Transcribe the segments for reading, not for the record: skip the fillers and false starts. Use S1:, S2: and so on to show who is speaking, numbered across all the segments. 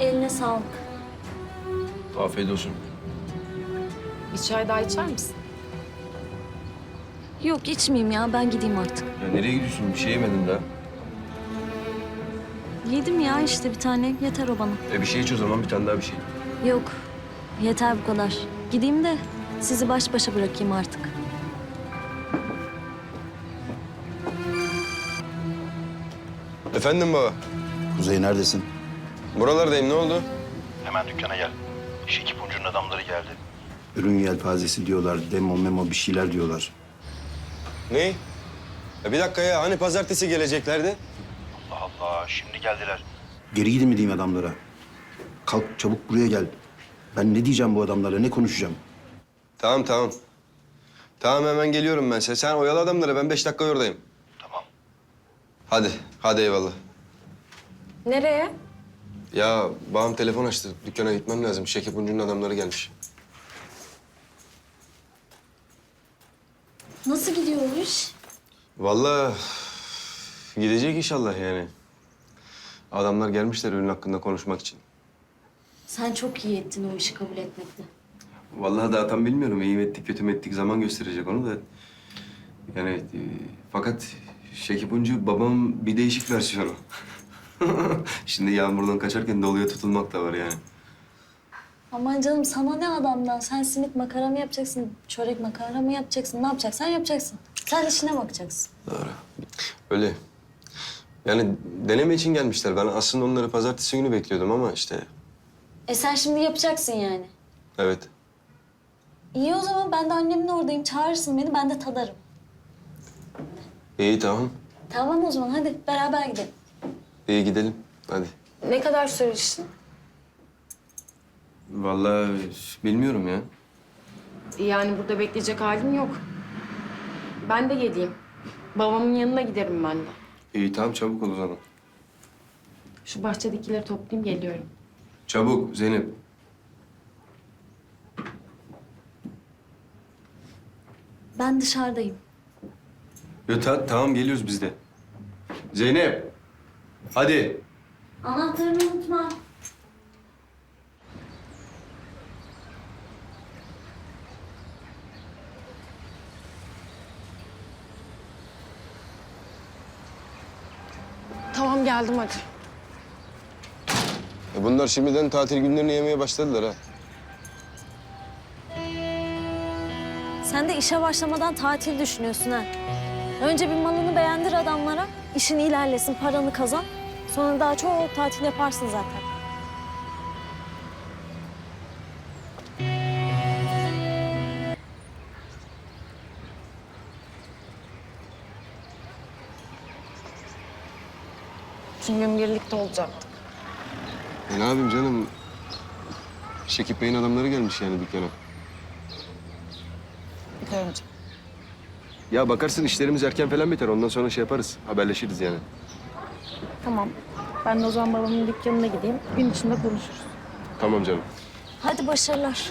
S1: Eline sağlık.
S2: Afiyet olsun.
S3: Bir çay daha içer misin?
S1: Yok içmeyeyim ya, ben gideyim artık.
S2: Ya nereye gidiyorsun? Bir şey yemedin daha.
S1: Yedim ya işte bir tane, yeter o bana.
S2: Bir şey iç o zaman, bir tane daha bir şey.
S1: Yok, yeter bu kadar. Gideyim de sizi baş başa bırakayım artık.
S2: Efendim baba.
S4: Kuzey neredesin?
S2: Buralardayım, ne oldu?
S4: Hemen dükkana gel. Şekip Uncu'nun adamları geldi. Ürün yelpazesi diyorlar, demo memo bir şeyler diyorlar.
S2: Ne? Ya bir dakika ya, hani pazartesi geleceklerdi?
S4: Allah Allah, şimdi geldiler. Geri gidin mi diyeyim adamlara? Kalk çabuk buraya gel. Ben ne diyeceğim bu adamlara, ne konuşacağım?
S2: Tamam. Tamam hemen geliyorum ben. Sen oyalı adamları, ben 5 dakika oradayım.
S4: Tamam.
S2: Hadi eyvallah.
S3: Nereye?
S2: Ya babam telefon açtı, dükkana gitmem lazım. Şekip Uncu'nun adamları gelmiş.
S1: Nasıl gidiyor o iş?
S2: Vallahi gidecek inşallah yani. Adamlar gelmişler ürün hakkında konuşmak için.
S1: Sen çok iyi ettin o işi kabul etmekte.
S2: Vallahi daha tam bilmiyorum. İyi mi ettik, kötü mü ettik zaman gösterecek onu da. Yani fakat Şekip Uncu babam bir değişik versiyonu. Şimdi yağmurdan kaçarken doluya tutulmak da var yani.
S1: Aman canım sana ne adamdan? Sen simit makara mı yapacaksın, çörek makara mı yapacaksın? Ne yapacaksan yapacaksın. Sen işine bakacaksın.
S2: Doğru. Öyle. Yani deneme için gelmişler. Ben aslında onları pazartesi günü bekliyordum ama işte
S1: Sen şimdi yapacaksın yani.
S2: evet.
S1: İyi o zaman ben de annemin oradayım. Çağırırsın beni, ben de tadarım.
S2: İyi tamam.
S1: Tamam o zaman hadi beraber gidelim.
S2: İyi gidelim. Hadi.
S3: Ne kadar sürer işin?
S2: Vallahi bilmiyorum ya.
S3: Yani burada bekleyecek halim yok. Ben de geleyim. Babamın yanına giderim ben de.
S2: İyi tamam çabuk ol o zaman.
S3: Şu bahçedekileri toplayayım geliyorum.
S2: Çabuk Zeynep.
S1: Ben dışarıdayım.
S2: Tamam geliyoruz biz de. Zeynep. Hadi.
S1: Anahtarını unutma.
S3: Tamam geldim hadi.
S2: Bunlar şimdiden tatil günlerini yemeye başladılar ha.
S1: Sen de işe başlamadan tatil düşünüyorsun ha. Önce bir malını beğendir adamlara, işin ilerlesin, paranı kazan. Sonra daha çok tatil yaparsın zaten.
S3: Tüm gün birlikte olacaktık.
S2: Ne yapayım canım? Şekip Bey'in adamları gelmiş yani dükkana.
S3: Biliyorum.
S2: Ya bakarsın işlerimiz erken falan biter. Ondan sonra şey yaparız. Haberleşiriz yani.
S3: Tamam. Ben de o zaman babamın dükkanına gideyim. Gün içinde konuşuruz.
S2: Tamam canım.
S1: Hadi başarılar.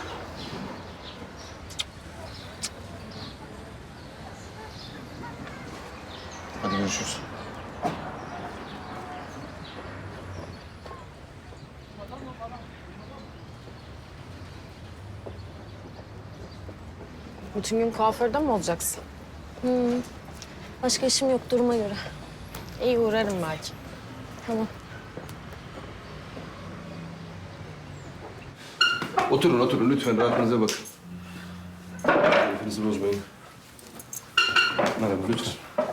S2: Hadi görüşürüz.
S3: Bütün gün kuaförde mi olacaksın?
S1: Başka işim yok duruma göre.
S3: İyi uğrarım belki.
S1: Tamam.
S2: Oturun lütfen rahatınıza bakın. Keyfinizi bozmayın. Merhaba lütfen.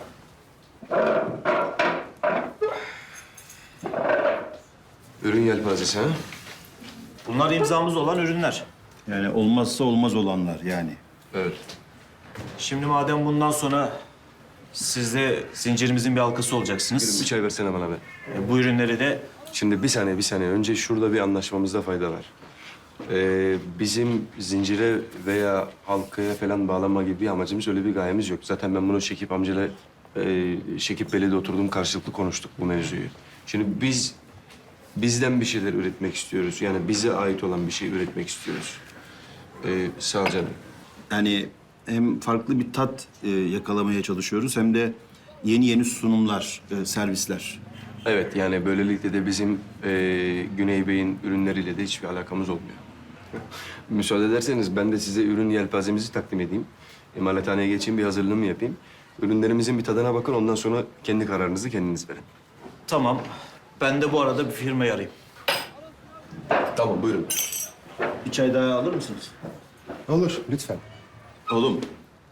S2: Ürün yelpazesi ha?
S5: Bunlar imzamız olan ürünler.
S4: Yani olmazsa olmaz olanlar yani.
S2: Evet.
S5: Şimdi madem bundan sonra siz de zincirimizin bir halkası
S2: Bir
S5: olacaksınız.
S2: çay versene bana be.
S5: Bu ürünleri de
S2: Şimdi bir saniye. Önce şurada bir anlaşmamızda fayda var. Bizim zincire veya halkaya falan bağlama gibi bir amacımız, öyle bir gayemiz yok. Zaten ben bunu Şekip amcayla, Şekip Bey'le de oturdum, karşılıklı konuştuk bu mevzuyu. Şimdi bizden bir şeyler üretmek istiyoruz. Yani bize ait olan bir şey üretmek istiyoruz. Sağ ol canım.
S4: Yani hem farklı bir tat yakalamaya çalışıyoruz hem de yeni sunumlar, servisler.
S2: Evet, yani böylelikle de bizim Güney Bey'in ürünleriyle de hiçbir alakamız olmuyor. Müsaade ederseniz ben de size ürün yelpazemizi takdim edeyim. İmalathaneye geçeyim, bir hazırlığımı yapayım. Ürünlerimizin bir tadına bakın, ondan sonra kendi kararınızı kendiniz verin.
S5: Tamam. Ben de bu arada bir firmayı arayayım.
S2: Tamam, buyurun.
S5: Bir çay daha alır mısınız?
S4: Olur, lütfen.
S2: Oğlum,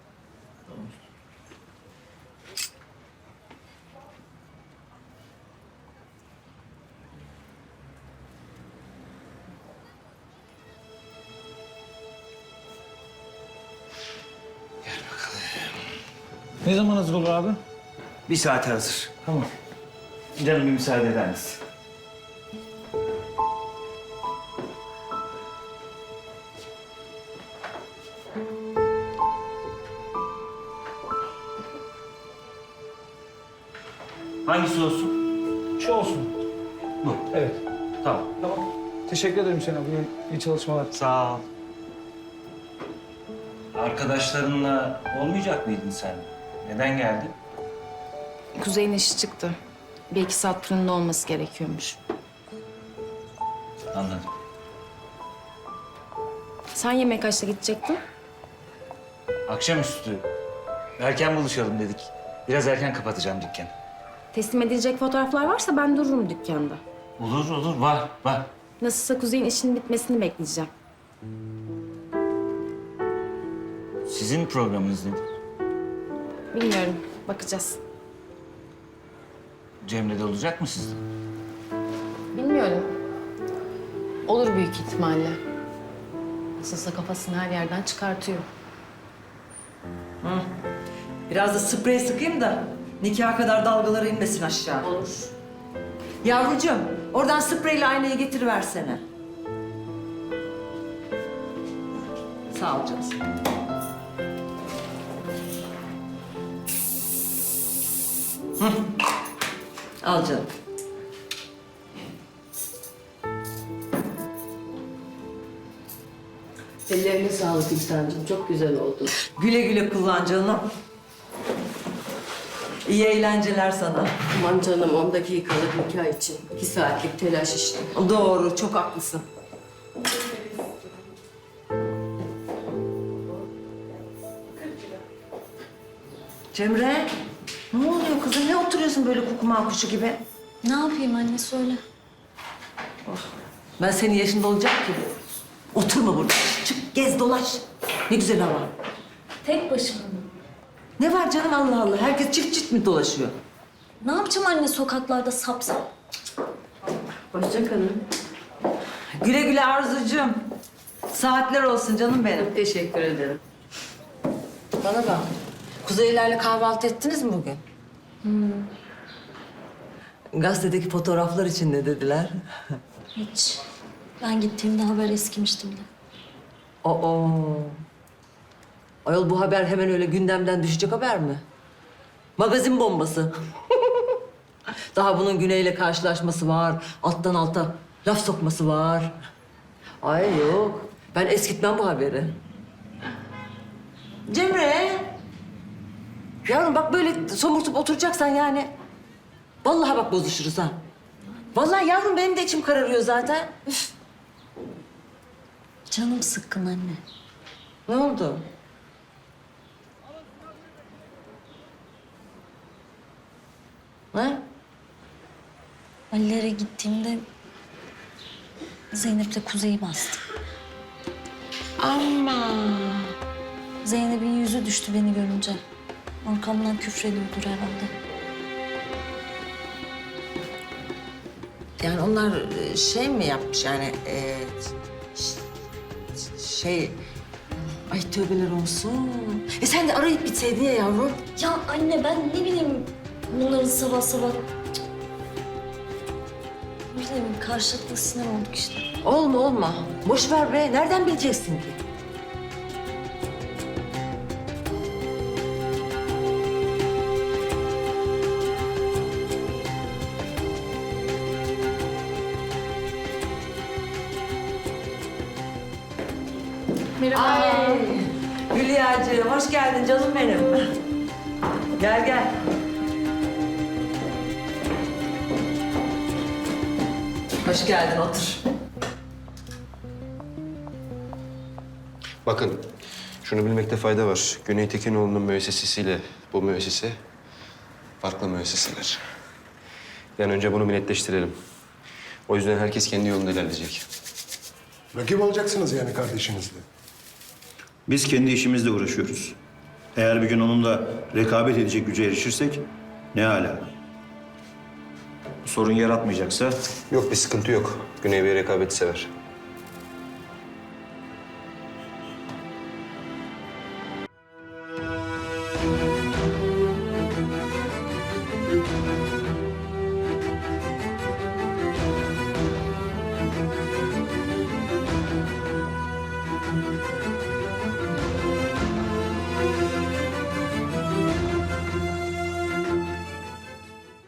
S6: Ne zaman hazır olur abi?
S5: Bir saate hazır. Tamam. Canım bir müsaade eder misin? Hangisi olsun?
S6: Şu olsun.
S5: Bu.
S6: Evet.
S5: Tamam.
S6: Tamam. Teşekkür ederim Hüseyin abi. İyi çalışmalar.
S5: Sağ ol. Arkadaşlarınla olmayacak mıydın sen? Neden geldin?
S3: Kuzey'in işi çıktı. Bir iki saat fırında olması gerekiyormuş.
S5: Anladım.
S3: Sen yemek kaçta gidecektin?
S5: Akşamüstü erken buluşalım dedik. Biraz erken kapatacağım dükkanı.
S3: Teslim edilecek fotoğraflar varsa ben dururum dükkanda.
S5: Olur olur var.
S3: Nasılsa Kuzey'in işinin bitmesini bekleyeceğim.
S5: Sizin programınız nedir?
S3: Bilmiyorum, bakacağız.
S5: Cemre de olacak mı sizde?
S3: Bilmiyorum. Olur büyük ihtimalle. Nasılsa kafasını her yerden çıkartıyor.
S7: Biraz da sprey sıkayım da nikaha kadar dalgaları inmesin aşağı.
S3: Olur.
S7: Yavrucuğum, oradan spreyle aynayı getiriversene. Sağ ol canım. Hı. Al canım.
S8: Ellerine sağlık İhsan'cığım. Çok güzel oldu.
S7: Güle güle kullan canım. İyi eğlenceler sana.
S8: Aman canım 10 dakikalık nikah için. 2 saatlik telaş işte.
S7: Doğru, çok haklısın. Cemre, ne oluyor kızım? Ne oturuyorsun böyle kukuma kuşu gibi?
S1: Ne yapayım anne söyle.
S7: Ben senin yaşında olacak ki. Oturma burada. Çık, gez, dolaş. Ne güzel hava.
S1: Tek başıma mı?
S7: Ne var canım Allah Allah? Herkes çift çift mi dolaşıyor?
S1: Ne yapacağım anne sokaklarda sap sap?
S8: Hoşça kalın.
S7: Güle güle Arzucuğum. Saatler olsun canım benim.
S8: Çok teşekkür ederim.
S7: Bana bak. Kuzeylerle kahvaltı ettiniz mi bugün? Gazetedeki fotoğraflar için ne dediler?
S1: Hiç. Ben gittiğimde haber eskimiştim de.
S7: Oo. Ayol bu haber hemen öyle gündemden düşecek haber mi? Magazin bombası. Daha bunun Güney'le karşılaşması var. Alttan alta laf sokması var. Ay yok. Ben eskitmem bu haberi. Cemre. Yavrum bak böyle somurtup oturacaksan yani. Vallahi bak bozuşuruz ha. Vallahi yavrum benim de içim kararıyor zaten. Üf.
S1: Canım sıkkın anne.
S7: Ne oldu? Ha?
S1: Ali'lere gittiğimde Zeynep'le Kuzey'i bastı.
S7: Ama.
S1: Zeynep'in yüzü düştü beni görünce. Arkamdan küfrediyordur herhalde.
S7: Yani onlar şey mi yapmış yani şey... Ay tövbeler olsun. Sen de arayıp bitseydin ya yavrum.
S1: Ya anne ben ne bileyim bunların sabah sabah... Cık. Ne bileyim karşılıklı sinir olduk işte.
S7: Olma. Boş ver be. Nereden bileceksin ki?
S3: Merhaba.
S7: Hülya'cığım hoş geldin canım benim. Gel. Hoş geldin, otur.
S2: Bakın, şunu bilmekte fayda var. Güney Tekinoğlu'nun müessesesiyle bu müessese farklı müesseseler. Yani önce bunu bir netleştirelim. O yüzden herkes kendi yolunda ilerleyecek.
S9: Rakip olacaksınız yani kardeşinizle.
S4: Biz kendi işimizle uğraşıyoruz. Eğer bir gün onunla rekabet edecek güce erişirsek ne âlâ.
S5: Sorun yaratmayacaksa
S2: Yok, bir sıkıntı yok. Güney Bey rekabeti sever.